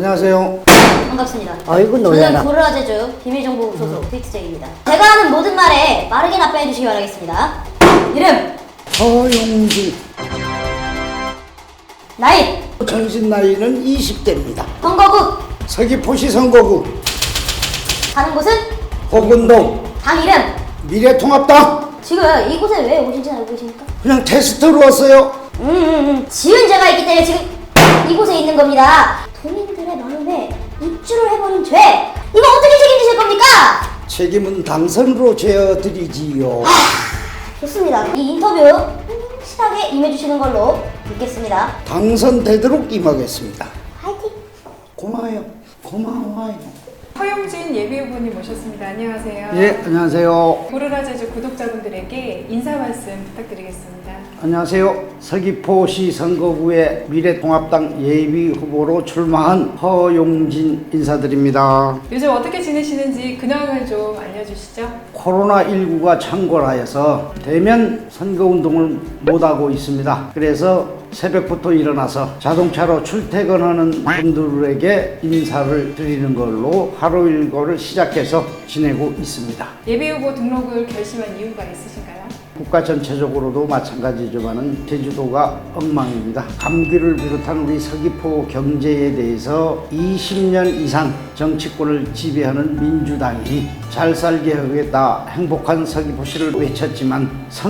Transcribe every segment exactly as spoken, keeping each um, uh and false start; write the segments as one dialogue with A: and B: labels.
A: 안녕하세요.
B: 반갑습니다.
C: 아이고 놀라라.
B: 저는 고르라제주 비밀정보 소속 트위트제이입니다. 제가 하는 모든 말에 빠르게 답변해 주시기 바라겠습니다. 이름,
A: 허용진.
B: 나이,
A: 전신 나이는 이십 대입니다.
B: 선거국,
A: 서귀포시 선거구,
B: 사는 곳은,
A: 호근동,
B: 당 이름.
A: 미래통합당.
B: 지금 이곳에 왜 오신지 알고 계십니까?
A: 그냥 테스트로 왔어요.
B: 음, 음, 음. 지은 죄가 있기 때문에 지금 이곳에 있는 겁니다. 도민들의 마음에 입주를 해버린 죄, 이거 어떻게 책임지실 겁니까?
A: 책임은 당선으로 져드리지요.
B: 좋습니다. 이 인터뷰 확실하게 임해주시는 걸로 믿겠습니다.
A: 당선되도록 임하겠습니다.
B: 화이팅!
A: 고마워요. 고마워요.
D: 허용진 예비후보님 모셨습니다. 안녕하세요.
A: 예, 안녕하세요.
D: 고르라제주 구독자분들에게 인사 말씀 부탁드리겠습니다.
A: 안녕하세요. 서귀포시 선거구의 미래통합당 예비후보로 출마한 허용진 인사드립니다.
D: 요즘 어떻게 지내시는지 근황을 좀 알려주시죠.
A: 코로나십구가 창궐하여서 대면 선거운동을 못하고 있습니다. 그래서 새벽부터 일어나서 자동차로 출퇴근하는 분들에게 인사를 드리는 걸로 하루 일과를 시작해서 지내고 있습니다.
D: 예비후보 등록을 결심한 이유가 있으신가요?
A: 국가 전체적으로도 마찬가지지만은 제주도가 엉망입니다. 감기를 비롯한 우리 서귀포 경제에 대해서 이십 년 이상 정치권을 지배하는 민주당이 잘 살게 하겠다, 행복한 서귀포시를 외쳤지만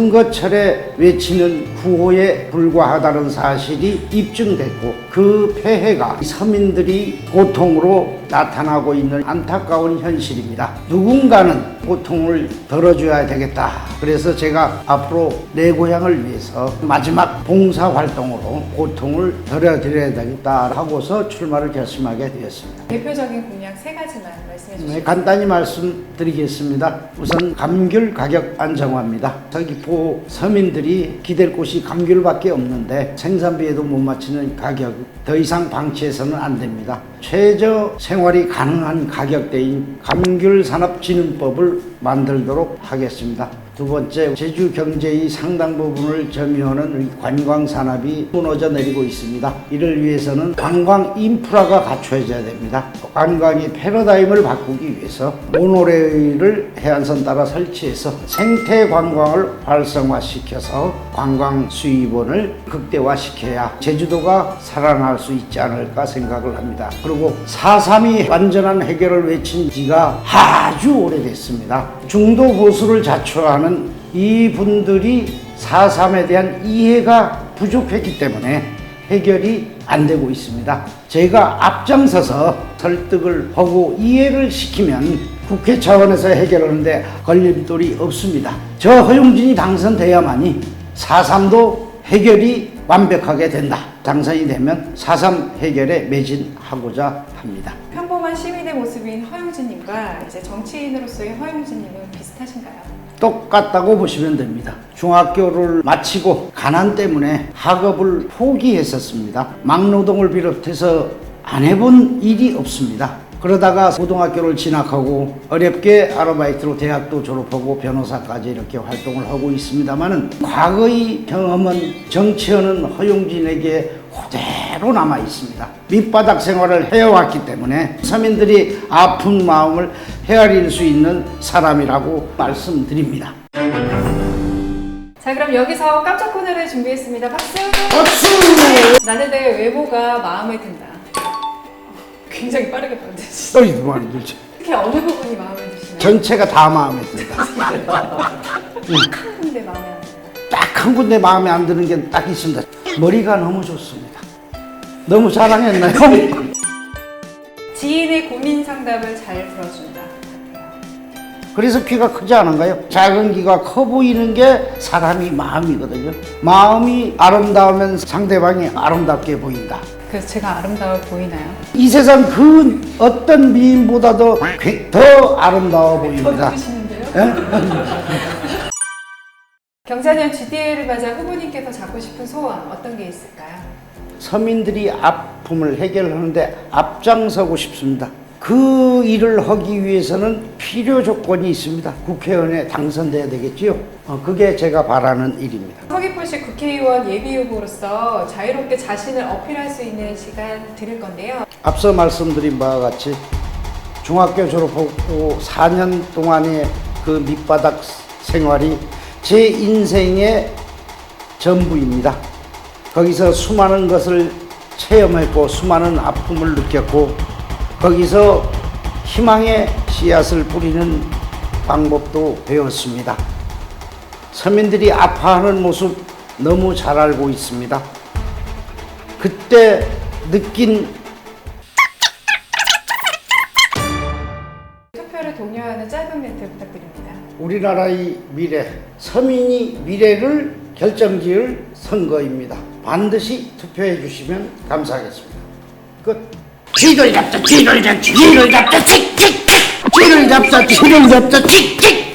A: 선거철에 외치는 구호에 불과하다는 사실이 입증됐고 그 폐해가 서민들이 고통으로 나타나고 있는 안타까운 현실입니다. 누군가는 고통을 덜어줘야 되겠다. 그래서 제가 앞으로 내 고향을 위해서 마지막 봉사활동으로 고통을 덜어드려야 되겠다 하고서 출마를 결심하게 되었습니다.
D: 대표적인 공약 세 가지만 말씀해 주시죠.
A: 네, 간단히 말씀드리겠습니다. 우선 감귤 가격 안정화입니다. 서귀포 서민들이 기댈 곳이 감귤밖에 없는데 생산비에도 못 맞추는 가격, 더 이상 방치해서는 안 됩니다. 최저 생활이 가능한 가격대인 감귤산업진흥법을 만들도록 하겠습니다. 두 번째, 제주 경제의 상당 부분을 점유하는 우리 관광 산업이 무너져 내리고 있습니다. 이를 위해서는 관광 인프라가 갖춰져야 됩니다. 관광의 패러다임을 바꾸기 위해서 모노레일을 해안선 따라 설치해서 생태 관광을 활성화시켜서 관광 수입원을 극대화시켜야 제주도가 살아날 수 있지 않을까 생각을 합니다. 그리고 사 삼이 완전한 해결을 외친 지가 아주 오래됐습니다. 중도 보수를 자초하는 이분들이 사 삼에 대한 이해가 부족했기 때문에 해결이 안 되고 있습니다. 제가 앞장서서 설득을 하고 이해를 시키면 국회 차원에서 해결하는데 걸림돌이 없습니다. 저 허용진이 당선돼야만이 사 삼도 해결이 완벽하게 된다. 당선이 되면 사 삼 해결에 매진하고자 합니다.
D: 평범한 시민의 모습인 허용진님과 이제 정치인으로서의 허용진님은 비슷하신가요?
A: 똑같다고 보시면 됩니다. 중학교를 마치고 가난 때문에 학업을 포기했었습니다. 막노동을 비롯해서 안 해본 일이 없습니다. 그러다가 고등학교를 진학하고 어렵게 아르바이트로 대학도 졸업하고 변호사까지 이렇게 활동을 하고 있습니다만은 과거의 경험은 정치하는 허용진에게 그대로 남아 있습니다. 밑바닥 생활을 해왔기 때문에 서민들이 아픈 마음을 헤아릴 수 있는 사람이라고 말씀드립니다.
D: 자, 그럼 여기서 깜짝 코너를 준비했습니다. 박수!
A: 박수!
D: 나는 내 외모가 마음에 든다. 굉장히 빠르게 받으시죠.
A: 또 이거 안 들지.
D: 특히 어느 부분이 마음에 드시나요?
A: 전체가 다 마음에 든다.
D: 한 군데 마음에 안 든다.
A: 딱 한 군데 마음에 안 드는 게 딱 있습니다. 머리가 너무 좋습니다. 너무 자랑했나요?
D: 지인의 고민 상담을 잘 들어준다.
A: 그래서 귀가 크지 않은가요? 작은 귀가 커 보이는 게 사람이 마음이거든요. 마음이 아름다우면 상대방이 아름답게 보인다.
D: 그래서 제가 아름다워 보이나요?
A: 이 세상 그 어떤 미인보다도 더 아름다워 보입니다.
D: 보이시는데요?
A: 예?
D: 경자년 지디에이를 맞아 후보님께서 잡고 싶은 소원 어떤 게 있을까요?
A: 서민들이 아픔을 해결하는데 앞장서고 싶습니다. 그 일을 하기 위해서는 필요 조건이 있습니다. 국회의원에 당선돼야 되겠지요. 어, 그게 제가 바라는 일입니다.
D: 서귀포시 국회의원 예비후보로서 자유롭게 자신을 어필할 수 있는 시간 드릴 건데요.
A: 앞서 말씀드린 바와 같이 중학교 졸업하고 사 년 동안의 그 밑바닥 생활이 제 인생의 전부입니다. 거기서 수많은 것을 체험했고 수많은 아픔을 느꼈고 거기서 희망의 씨앗을 뿌리는 방법도 배웠습니다. 서민들이 아파하는 모습 너무 잘 알고 있습니다. 그때 느낀
D: 투표를 독려하는 짧은 멘트 부탁드립니다.
A: 우리나라의 미래, 서민이 미래를 결정지을 선거입니다. 반드시 투표해 주시면 감사하겠습니다. 끝. 쥐를 잡자, 쥐를 잡자, 쥐를 잡자, 칙칙! 쥐를 잡자, 쥐를 잡자, 칙칙!